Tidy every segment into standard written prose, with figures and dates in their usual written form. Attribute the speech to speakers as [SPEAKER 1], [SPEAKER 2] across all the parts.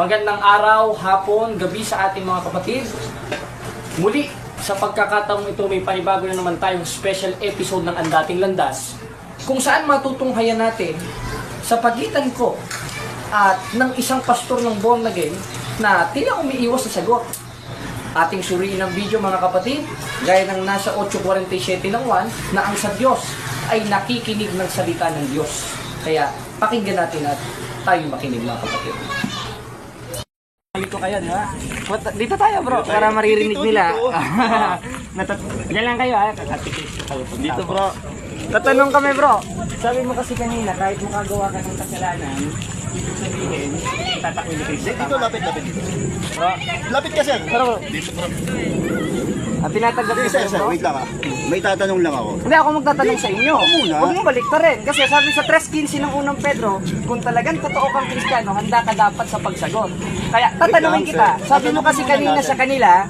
[SPEAKER 1] Magandang araw, hapon, gabi sa ating mga kapatid. Muli, sa pagkakataong ito may panibago na naman tayong special episode ng Ang Dating Landas, kung saan matutunghayan natin sa pagitan ko at ng isang pastor ng born again na tila umiiwas sa sagot. Ating suriin ang video mga kapatid, gaya ng nasa 8:47 ng 1 na ang sa Diyos ay nakikinig ng salita ng Diyos. Kaya pakinggan natin at tayong makinig mga kapatid. Dito kayo, di ba? Dito tayo bro, para maririnig nila. Diyan lang kayo ha. Dito bro. Tatanong kami bro. Sabi mo kasi kanina, kahit makagawa ka ng kasalanan, ibig sabihin, tatakwil ni Kristo.
[SPEAKER 2] Dito, lapit dito.
[SPEAKER 1] Bro,
[SPEAKER 2] Lapit ka, sir.
[SPEAKER 1] pero bro,
[SPEAKER 2] Dito, bro.
[SPEAKER 1] tinatanggap ko
[SPEAKER 2] Sir,
[SPEAKER 1] sa'yo bro.
[SPEAKER 2] wait lang ah. May tatanong lang ako.
[SPEAKER 1] Hindi ako magtatanong sa inyo.
[SPEAKER 2] Ako muna.
[SPEAKER 1] Huwag mo balik ka rin. Kasi sabi sa 3:15 ng unang Pedro, kung talagang totoo kang Kristiyano, handa ka dapat sa pagsagot. Kaya tatanungin
[SPEAKER 2] Wait
[SPEAKER 1] kita.
[SPEAKER 2] lang, sir.
[SPEAKER 1] Sabi mo kasi kanina sa kanila,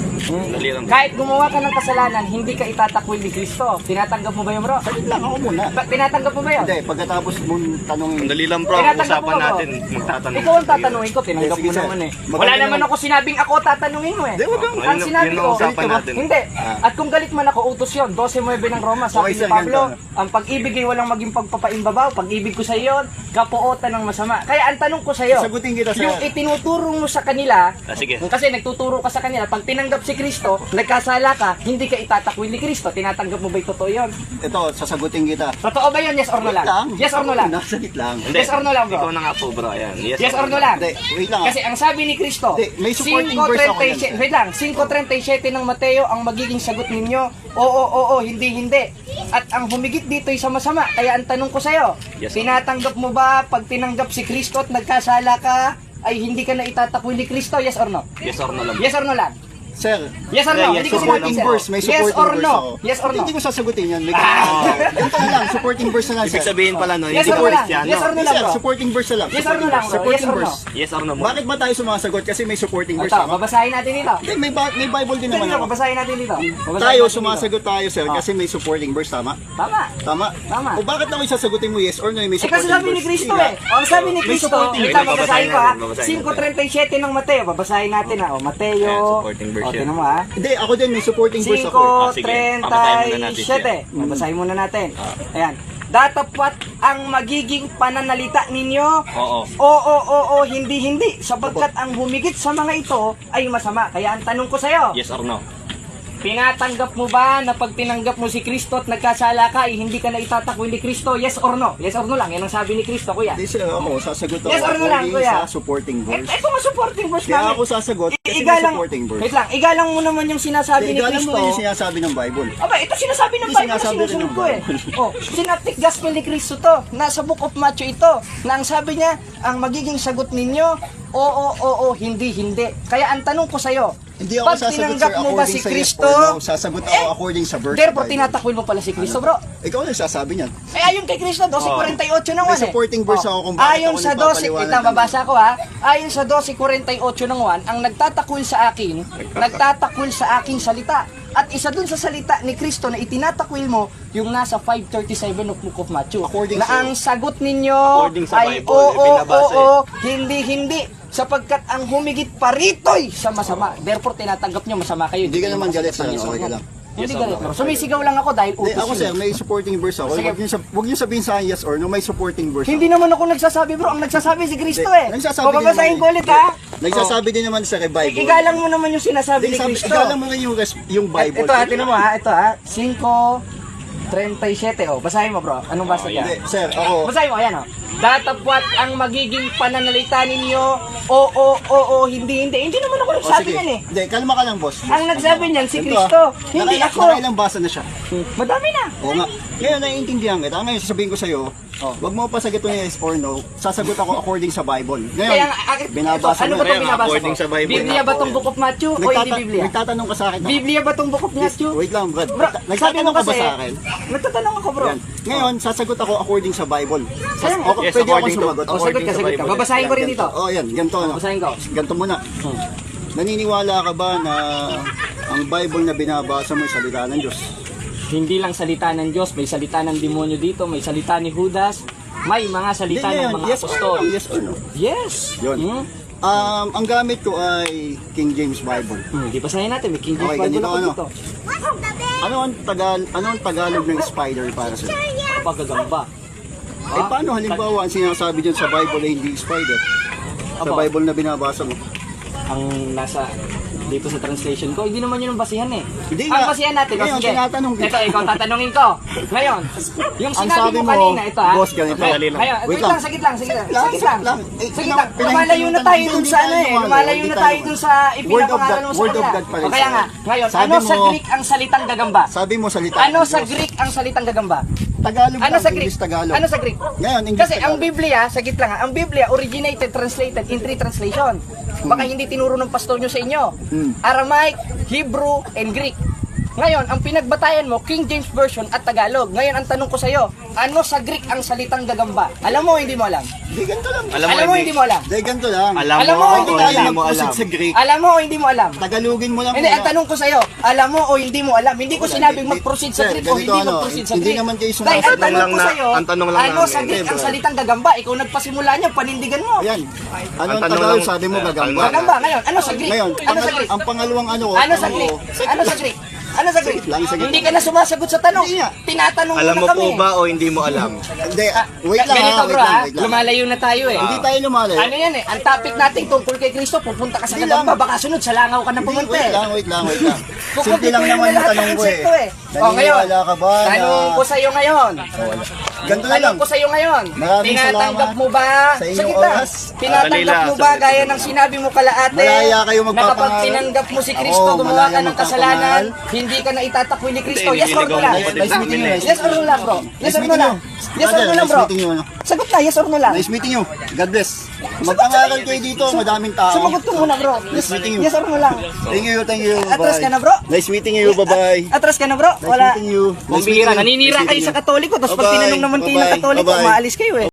[SPEAKER 2] Dali
[SPEAKER 1] kahit gumawa ka ng kasalanan, hindi ka itatakwil ni Kristo. Tinatanggap mo ba yun bro?
[SPEAKER 2] Salit lang ako muna.
[SPEAKER 1] Tinatanggap mo ba yun?
[SPEAKER 2] Hindi, pagkatapos mong tanongin.
[SPEAKER 3] Dali lang bro,
[SPEAKER 1] Tinatanggap
[SPEAKER 3] usapan
[SPEAKER 1] mo ba, bro?
[SPEAKER 3] natin, magtatanong.
[SPEAKER 1] Ikaw ang tatanungin ko, tinanggap
[SPEAKER 2] Sige,
[SPEAKER 1] mo
[SPEAKER 2] sir.
[SPEAKER 1] naman eh.
[SPEAKER 2] Maganda
[SPEAKER 1] Wala naman
[SPEAKER 2] naman.
[SPEAKER 1] ako sinabing ako tatanungin mo eh.
[SPEAKER 2] Hindi, wag kang-
[SPEAKER 1] Ang
[SPEAKER 3] Yun-
[SPEAKER 1] sinabi
[SPEAKER 3] yun ang
[SPEAKER 1] ko,
[SPEAKER 3] usapan natin.
[SPEAKER 1] hindi. At kung galit man ako, utos yun. 12:9 ng Roma, sabi
[SPEAKER 2] Okay,
[SPEAKER 1] ni
[SPEAKER 2] sir,
[SPEAKER 1] Pablo,
[SPEAKER 2] ganito.
[SPEAKER 1] ang pag-ibig ay walang maging pagpapaimbabaw. Pag-ibig ko sa iyo, kapuotan ng masama. Kaya ang tanong ko sa iyo,
[SPEAKER 2] Sagutin kita, sir.
[SPEAKER 1] yung itinuturo mo sa kanila,
[SPEAKER 3] Sige.
[SPEAKER 1] kasi nagtuturo ka sa kanila, pag tinanggap si Kristo, nagkasala ka, hindi ka itatakwil ni Kristo. Tinatanggap mo ba yung totoo yun?
[SPEAKER 2] Ito, sasagutin kita.
[SPEAKER 1] Totoo ba yun? Yes or no lang? Yes or no lang?
[SPEAKER 2] Nasalit lang.
[SPEAKER 3] Hindi.
[SPEAKER 1] Yes or no lang, bro?
[SPEAKER 3] Ikaw na nga po bro, ayan.
[SPEAKER 1] Yes or no lang?
[SPEAKER 2] Hindi, wait lang ah.
[SPEAKER 1] Kasi ang sabi ni Kristo,
[SPEAKER 2] Hindi, may supporting verse ako yan, sir.
[SPEAKER 1] wait lang, 5:37 ng Mateo ang magiging sagot ninyo. Oo, hindi. At ang humigit dito ay sa masama. Kaya ang tanong ko sa'yo,
[SPEAKER 3] Yes,
[SPEAKER 1] tinatanggap mo ba pag tinanggap si Kristo at nagkasala ka, ay hindi ka na itatakwil ni Kristo? Yes or no?
[SPEAKER 3] Yes or no lang.
[SPEAKER 1] Yes or no lang?
[SPEAKER 2] Sir,
[SPEAKER 1] Yes or no?
[SPEAKER 3] Yes,
[SPEAKER 1] Hindi ko
[SPEAKER 2] supporting
[SPEAKER 1] sinabi, sir.
[SPEAKER 2] verse, may
[SPEAKER 1] Yes
[SPEAKER 2] supporting
[SPEAKER 1] or
[SPEAKER 2] verse
[SPEAKER 1] no?
[SPEAKER 2] ako.
[SPEAKER 1] Yes or no?
[SPEAKER 2] Hindi ko sasagutin yan. Ganito na lang, supporting verse na lang, sir.
[SPEAKER 3] Ibig sabihin pala no,
[SPEAKER 1] Yes
[SPEAKER 3] hindi
[SPEAKER 1] or
[SPEAKER 3] ko
[SPEAKER 1] no lang?
[SPEAKER 3] Kristiyano.
[SPEAKER 1] Yes or no
[SPEAKER 2] Hindi,
[SPEAKER 1] lang,
[SPEAKER 2] sir,
[SPEAKER 1] bro?
[SPEAKER 2] supporting verse na lang.
[SPEAKER 1] Yes or no lang, bro? Yes
[SPEAKER 2] Supporting
[SPEAKER 1] or no?
[SPEAKER 2] verse.
[SPEAKER 3] Yes or no mo?
[SPEAKER 2] Bakit ba tayo sumasagot? Kasi may supporting verse
[SPEAKER 1] Ito,
[SPEAKER 2] ako.
[SPEAKER 1] babasahin natin dito.
[SPEAKER 2] Hindi, may Bible din naman
[SPEAKER 1] Dito,
[SPEAKER 2] ako.
[SPEAKER 1] babasahin natin dito. Babasahin
[SPEAKER 2] Tayo,
[SPEAKER 1] natin dito.
[SPEAKER 2] sumasagot tayo, sir, kasi may supporting verse, tama?
[SPEAKER 1] Tama.
[SPEAKER 2] Tama?
[SPEAKER 1] Tama.
[SPEAKER 2] O bakit naman sasagutin mo yes or no? May
[SPEAKER 1] Eh kasi
[SPEAKER 2] supporting
[SPEAKER 1] sabi ni
[SPEAKER 2] verse.
[SPEAKER 1] Kristo
[SPEAKER 2] Hindi
[SPEAKER 1] eh. Ang sabi ni
[SPEAKER 2] May
[SPEAKER 1] Kristo,
[SPEAKER 2] supporting
[SPEAKER 1] ito
[SPEAKER 3] verse.
[SPEAKER 1] babasahin ko ha.
[SPEAKER 3] Babasahin natin.
[SPEAKER 1] 5:37 ng Mateo, babasahin natin ha. O Mateo.
[SPEAKER 3] Ayan, supporting verse
[SPEAKER 1] O
[SPEAKER 3] yan.
[SPEAKER 1] tinan mo ha.
[SPEAKER 2] Hindi, ako din may supporting verse ako.
[SPEAKER 3] Sige, babasahin muna natin siya.
[SPEAKER 1] 5:37. Babasahin muna natin. Ayan. Datapat ang magiging pananalita ninyo.
[SPEAKER 3] Oo.
[SPEAKER 1] Oo, hindi. Sapagkat ang humigit sa mga ito ay masama. Kaya ang tanong ko sa'yo,
[SPEAKER 3] Yes or no?
[SPEAKER 1] tinatanggap mo ba na pag tinanggap mo si Kristo at nagkasala ka, ay hindi ka na itatakwil ni Kristo? Yes or no? Yes or no lang. Yan ang sabi ni Kristo, kuya.
[SPEAKER 2] Hindi sila ako, sasagot ako
[SPEAKER 1] Yes or no lang,
[SPEAKER 2] according
[SPEAKER 1] kuya?
[SPEAKER 2] sa supporting verse.
[SPEAKER 1] Ito nga supporting verse
[SPEAKER 2] Kaya
[SPEAKER 1] namin.
[SPEAKER 2] ako sasagot kasi may
[SPEAKER 1] Igalang,
[SPEAKER 2] supporting verse.
[SPEAKER 1] wait lang, igalang mo naman yung sinasabi ni
[SPEAKER 2] Igalang mo
[SPEAKER 1] Kristo.
[SPEAKER 2] rin yung sinasabi ng Bible.
[SPEAKER 1] Aba, ito sinasabi ng
[SPEAKER 2] Ito
[SPEAKER 1] Bible na
[SPEAKER 2] sinasabi rin
[SPEAKER 1] sinusunod
[SPEAKER 2] ng
[SPEAKER 1] ko eh.
[SPEAKER 2] Bible.
[SPEAKER 1] Oh, synoptic gospel ni Kristo to. Nasa book of Matthew ito. Na ang sabi niya, ang magiging sagot ninyo, oo, hindi. Kaya ang tanong ko sa'yo,
[SPEAKER 2] Hindi ako
[SPEAKER 1] pag
[SPEAKER 2] sasagot,
[SPEAKER 1] tinanggap
[SPEAKER 2] sir,
[SPEAKER 1] mo ba
[SPEAKER 2] according
[SPEAKER 1] si
[SPEAKER 2] sa yes
[SPEAKER 1] Kristo,
[SPEAKER 2] or no. Sasagot ako according sa verse.
[SPEAKER 1] therefore
[SPEAKER 2] ng Bible.
[SPEAKER 1] tinatakwil mo pala si Kristo, bro.
[SPEAKER 2] Ikaw na sasabi niyan.
[SPEAKER 1] Eh, ayon kay Kristo, 12:48 ng 1
[SPEAKER 2] May
[SPEAKER 1] eh.
[SPEAKER 2] supporting verse ako kung bakit
[SPEAKER 1] Ayon
[SPEAKER 2] ako
[SPEAKER 1] sa 12,
[SPEAKER 2] nagpapaliwanag
[SPEAKER 1] ito,
[SPEAKER 2] ng-
[SPEAKER 1] babasa ko ha. Ayon sa 12:48 ng 1, ang nagtatakwil sa akin salita. At isa dun sa salita ni Kristo na itinatakwil mo, yung nasa 5:37 of Book of Matthew.
[SPEAKER 2] According
[SPEAKER 1] na
[SPEAKER 2] sa-
[SPEAKER 1] ang sagot ninyo
[SPEAKER 3] According sa
[SPEAKER 1] ay
[SPEAKER 3] Bible,
[SPEAKER 1] oo,
[SPEAKER 3] binabasa
[SPEAKER 1] hindi. Sapagkat ang humigit parito'y sa masama. Therefore, tinatanggap nyo masama kayo.
[SPEAKER 2] Hindi ka
[SPEAKER 1] kayo
[SPEAKER 2] naman galit,
[SPEAKER 1] makasagot ng
[SPEAKER 2] sir.
[SPEAKER 1] yes or
[SPEAKER 2] Okay ka
[SPEAKER 1] no.
[SPEAKER 2] lang.
[SPEAKER 1] Hindi
[SPEAKER 3] Yes or
[SPEAKER 1] galit.
[SPEAKER 3] no?
[SPEAKER 1] bro. Sumisigaw lang ako dahil
[SPEAKER 2] Hindi,
[SPEAKER 1] utos
[SPEAKER 2] ako
[SPEAKER 1] yun.
[SPEAKER 2] sir, may supporting verse ako.
[SPEAKER 1] Sige.
[SPEAKER 2] Huwag niyo sabihin sa akin yes or no, may supporting verse
[SPEAKER 1] Hindi
[SPEAKER 2] ako.
[SPEAKER 1] naman ako nagsasabi bro, ang nagsasabi si Kristo
[SPEAKER 2] Hindi,
[SPEAKER 1] eh.
[SPEAKER 2] nagsasabi
[SPEAKER 1] O
[SPEAKER 2] din
[SPEAKER 1] babasahin
[SPEAKER 2] naman
[SPEAKER 1] ko
[SPEAKER 2] eh.
[SPEAKER 1] ulit ha.
[SPEAKER 2] Nagsasabi din naman sa kay Bible.
[SPEAKER 1] Igalang mo naman yung sinasabi ni Kristo.
[SPEAKER 2] Igalang mo nga yung Bible.
[SPEAKER 1] Ito ha, tinan mo ha, ito ha. 5:37 oh. Basahin mo bro. Anong basa
[SPEAKER 3] Oh,
[SPEAKER 1] niya?
[SPEAKER 2] Hindi, sir, ako.
[SPEAKER 1] Basahin mo, ayan oh. Datapwat ang magiging pananalita ninyo. Oo, hindi. Hindi naman ako
[SPEAKER 2] O,
[SPEAKER 1] nagsabi
[SPEAKER 2] sige.
[SPEAKER 1] yan eh.
[SPEAKER 2] Hindi, kalma ka lang, boss.
[SPEAKER 1] Ang nagsabi niyan si
[SPEAKER 2] Ganito,
[SPEAKER 1] Kristo. Hindi
[SPEAKER 2] Nakailang-
[SPEAKER 1] ako.
[SPEAKER 2] Nakailang basa na siya.
[SPEAKER 1] Madami na.
[SPEAKER 2] Oo nga. Ngayon, naiintindihan kita. Ngayon, sasabihin ko sa'yo, wag mo pasagutin yung yes or no. Sasagot ako according sa Bible. Ngayon,
[SPEAKER 1] Kaya,
[SPEAKER 2] binabasa
[SPEAKER 1] ano
[SPEAKER 2] mo.
[SPEAKER 1] ba
[SPEAKER 3] Kaya
[SPEAKER 1] itong
[SPEAKER 3] nga,
[SPEAKER 1] binabasa
[SPEAKER 3] according
[SPEAKER 1] mo?
[SPEAKER 3] sa Bible
[SPEAKER 1] Biblia
[SPEAKER 3] nga
[SPEAKER 1] ba
[SPEAKER 3] po
[SPEAKER 1] itong
[SPEAKER 3] eh.
[SPEAKER 1] Book of Matthew o hindi Biblia?
[SPEAKER 2] Nagtatanong ka sa akin.
[SPEAKER 1] Biblia ba itong Book of Matthew?
[SPEAKER 2] Wait lang, Brad.
[SPEAKER 1] Bro, sabi mo
[SPEAKER 2] Nagtatanong ka ba
[SPEAKER 1] kasi,
[SPEAKER 2] sa akin?
[SPEAKER 1] nagtatanong ako bro.
[SPEAKER 2] Yan. Ngayon, sasagot ako according sa Bible.
[SPEAKER 1] Kaya nga.
[SPEAKER 2] Okay,
[SPEAKER 3] Yes,
[SPEAKER 2] pwede ako
[SPEAKER 3] according to-
[SPEAKER 2] sumagot.
[SPEAKER 1] O, sagot ka.
[SPEAKER 3] Bible.
[SPEAKER 1] Babasahin ko rin dito.
[SPEAKER 2] Oh, yan. Ganito. No?
[SPEAKER 1] Babasahin ko.
[SPEAKER 2] Ganito muna. Naniniwala ka ba na ang Bible na binabasa mo ay salita ng Diyos?
[SPEAKER 1] Hindi lang salita ng Diyos, may salita ng demonyo dito, may salita ni Judas, may mga salita ng mga
[SPEAKER 2] yes or
[SPEAKER 1] apostol.
[SPEAKER 2] no? Yes or no?
[SPEAKER 1] Yes.
[SPEAKER 2] Yun. Ang gamit ko ay King James Bible.
[SPEAKER 1] Di pa sanayin natin, may King James
[SPEAKER 2] Okay,
[SPEAKER 1] Bible
[SPEAKER 2] ganito,
[SPEAKER 1] ako
[SPEAKER 2] ano?
[SPEAKER 1] dito.
[SPEAKER 2] Ano ang Tagalog ng spider para sa'yo?
[SPEAKER 1] Pagkagamba.
[SPEAKER 2] Eh paano halimbawa ang sinasabi dyan sa Bible ay hindi spider? Sa
[SPEAKER 1] Aba.
[SPEAKER 2] Bible na binabasa mo.
[SPEAKER 1] Ang nasa dito sa translation ko, hindi naman yun ang basihan eh.
[SPEAKER 2] Hindi
[SPEAKER 1] Ang
[SPEAKER 2] nga.
[SPEAKER 1] basihan natin,
[SPEAKER 2] Ngayon,
[SPEAKER 1] sige.
[SPEAKER 2] tinatanong kita.
[SPEAKER 1] Ito, ikaw tatanungin ko. Ngayon, yung
[SPEAKER 2] Ang
[SPEAKER 1] sinabi
[SPEAKER 2] sabi
[SPEAKER 1] mo
[SPEAKER 2] mo,
[SPEAKER 1] kanina, ito ha.
[SPEAKER 2] boss, ganito.
[SPEAKER 1] Ngayon,
[SPEAKER 3] Dali lang.
[SPEAKER 1] ngayon,
[SPEAKER 2] Wait
[SPEAKER 1] wait
[SPEAKER 2] lang.
[SPEAKER 1] lang, sagit lang.
[SPEAKER 2] Sagit
[SPEAKER 1] Sagit lang.
[SPEAKER 2] lang.
[SPEAKER 1] Lumalayo na tayo dun sa ano eh. Lumalayo na tayo dun sa
[SPEAKER 2] Word of
[SPEAKER 1] ipinapangalan
[SPEAKER 2] God-
[SPEAKER 1] mo sa
[SPEAKER 2] Word of
[SPEAKER 1] kanila.
[SPEAKER 2] God pa rin
[SPEAKER 1] O kaya
[SPEAKER 2] sa'yo.
[SPEAKER 1] nga, ngayon,
[SPEAKER 2] Sabi
[SPEAKER 1] ano sa
[SPEAKER 2] mo-
[SPEAKER 1] Greek ang salitang gagamba?
[SPEAKER 2] Sabi mo salita.
[SPEAKER 1] Ano
[SPEAKER 2] ng
[SPEAKER 1] sa
[SPEAKER 2] Diyos.
[SPEAKER 1] Greek ang salitang gagamba?
[SPEAKER 2] Tagalog
[SPEAKER 1] Ano
[SPEAKER 2] lang,
[SPEAKER 1] sa Greek?
[SPEAKER 2] English Tagalog.
[SPEAKER 1] Ano sa Greek?
[SPEAKER 2] Ngayon, English
[SPEAKER 1] Kasi ang
[SPEAKER 2] Tagalog.
[SPEAKER 1] Biblia, sagit lang ha, ang Biblia originated, translated in 3 translation. Baka hindi tinuro ng pastor nyo sa inyo. Aramaic, Hebrew, and Greek. Ngayon, ang pinagbatayan mo, King James Version at Tagalog. Ngayon, ang tanong ko sa iyo, ano sa Greek ang salitang gagamba? Alam mo o hindi mo alam?
[SPEAKER 2] Hindi, ganito lang.
[SPEAKER 3] Alam
[SPEAKER 1] Alam mo o hindi mo alam?
[SPEAKER 2] Hindi, ganito lang.
[SPEAKER 3] Alam
[SPEAKER 1] Alam
[SPEAKER 3] mo
[SPEAKER 1] mo,
[SPEAKER 3] o
[SPEAKER 1] hindi
[SPEAKER 3] hindi
[SPEAKER 1] alam.
[SPEAKER 3] mo alam?
[SPEAKER 2] Sa Greek.
[SPEAKER 1] Alam mo o hindi mo alam?
[SPEAKER 2] Tagalogin mo lang.
[SPEAKER 1] Hindi,
[SPEAKER 2] muna.
[SPEAKER 1] ang tanong ko sa iyo, alam mo o hindi mo alam? Hindi ko
[SPEAKER 2] Wala,
[SPEAKER 1] sinabing
[SPEAKER 2] hindi-
[SPEAKER 1] mag-proceed sa
[SPEAKER 2] sir,
[SPEAKER 1] Greek o
[SPEAKER 2] ganito,
[SPEAKER 1] hindi
[SPEAKER 2] ano,
[SPEAKER 1] mag-proceed sa
[SPEAKER 2] hindi
[SPEAKER 1] Greek.
[SPEAKER 2] naman kayo
[SPEAKER 1] Dahil
[SPEAKER 2] sumasagot.
[SPEAKER 1] ang tanong ko
[SPEAKER 3] lang
[SPEAKER 1] sa iyo,
[SPEAKER 3] ang tanong lang
[SPEAKER 1] ano
[SPEAKER 3] namin.
[SPEAKER 1] sa Greek ang salitang gagamba? Ikaw nagpasimula niya, panindigan mo.
[SPEAKER 2] Ayan. Ano ang
[SPEAKER 3] tanong
[SPEAKER 2] Tagalog?
[SPEAKER 3] lang-
[SPEAKER 2] Sabi mo gagamba.
[SPEAKER 1] Gagamba, ngayon, ano sa Greek?
[SPEAKER 2] Ngayon,
[SPEAKER 1] Ano sa Greek?
[SPEAKER 2] ang pangalawang ano ko.
[SPEAKER 1] Ano sa Greek? Ano sa Greek? Ano sa Greek?
[SPEAKER 2] Lang, sagit
[SPEAKER 1] Hindi
[SPEAKER 2] lang.
[SPEAKER 1] ka na sumasagot sa tanong.
[SPEAKER 2] Hindi nga.
[SPEAKER 1] Tinatanong
[SPEAKER 3] Alam
[SPEAKER 1] mo
[SPEAKER 3] mo
[SPEAKER 1] na kami.
[SPEAKER 3] po ba o hindi mo alam?
[SPEAKER 2] Hindi, wait lang
[SPEAKER 1] Ganito
[SPEAKER 2] ha,
[SPEAKER 1] bro
[SPEAKER 2] wait lang,
[SPEAKER 1] ha,
[SPEAKER 2] wait lang.
[SPEAKER 1] lumalayo na tayo eh.
[SPEAKER 2] Hindi tayo lumalayo.
[SPEAKER 1] Ano yan eh, ang topic natin tungkol kay Kristo, pupunta ka sa
[SPEAKER 2] Hindi
[SPEAKER 1] Gagamba,
[SPEAKER 2] lang.
[SPEAKER 1] baka sunod sa langaw ka na pumunta
[SPEAKER 2] Wait
[SPEAKER 1] eh.
[SPEAKER 2] lang, wait lang. Simple
[SPEAKER 1] Kukumpituhin
[SPEAKER 2] lang
[SPEAKER 1] mo
[SPEAKER 2] naman yung
[SPEAKER 1] lahat ng
[SPEAKER 2] tanong ko
[SPEAKER 1] konsepto
[SPEAKER 2] eh.
[SPEAKER 1] O ngayon,
[SPEAKER 2] Naniniwala ka ba na...
[SPEAKER 1] tanong ko sa iyo ngayon.
[SPEAKER 2] Ganito na lang.
[SPEAKER 1] Tanong ko sa iyo ngayon.
[SPEAKER 2] Maraming
[SPEAKER 1] Tinatanggap
[SPEAKER 2] salamat
[SPEAKER 1] mo ba?
[SPEAKER 2] sa inyong
[SPEAKER 1] Sagit lang.
[SPEAKER 2] oras.
[SPEAKER 1] Tinatanggap
[SPEAKER 3] Dali lang,
[SPEAKER 1] mo ba
[SPEAKER 3] saglit.
[SPEAKER 1] gaya ng sinabi mo kalaate?
[SPEAKER 2] Malaya kayo
[SPEAKER 1] Na kapag
[SPEAKER 2] magpapangaral.
[SPEAKER 1] tinanggap mo si Kristo,
[SPEAKER 2] Oo,
[SPEAKER 1] gumawa ka
[SPEAKER 2] malaya
[SPEAKER 1] ng kasalanan,
[SPEAKER 2] magpapangaral.
[SPEAKER 1] hindi ka na itatakwi ni Kristo.
[SPEAKER 3] Hindi,
[SPEAKER 1] Yes or no
[SPEAKER 3] nililigaw
[SPEAKER 1] lang?
[SPEAKER 3] mo kapatid
[SPEAKER 2] Nice meeting you,
[SPEAKER 3] namin eh.
[SPEAKER 1] Yes or no lang bro? Yes or no lang? Yes or no lang
[SPEAKER 2] Nice
[SPEAKER 1] bro?
[SPEAKER 2] meeting you.
[SPEAKER 1] Sagot na, yes or no lang?
[SPEAKER 2] Nice meeting you. God bless. Mag-angaral kayo dito, madaming tao.
[SPEAKER 1] Sumagot ko muna bro.
[SPEAKER 2] Nice meeting you.
[SPEAKER 1] Yes or no lang?
[SPEAKER 2] Thank you, thank you.
[SPEAKER 1] Atras
[SPEAKER 2] Bye.
[SPEAKER 1] ka na bro?
[SPEAKER 2] Nice meeting you, bye-bye.
[SPEAKER 1] Atras ka na bro?
[SPEAKER 2] Nice
[SPEAKER 1] Wala.
[SPEAKER 2] meeting you.
[SPEAKER 1] Bumbira, naninira kayo sa Katoliko, tapos pag
[SPEAKER 2] Bye-bye.
[SPEAKER 1] tinanong naman kayo ng
[SPEAKER 2] Bye-bye.
[SPEAKER 1] Katoliko,
[SPEAKER 2] Bye-bye.
[SPEAKER 1] maalis kayo eh.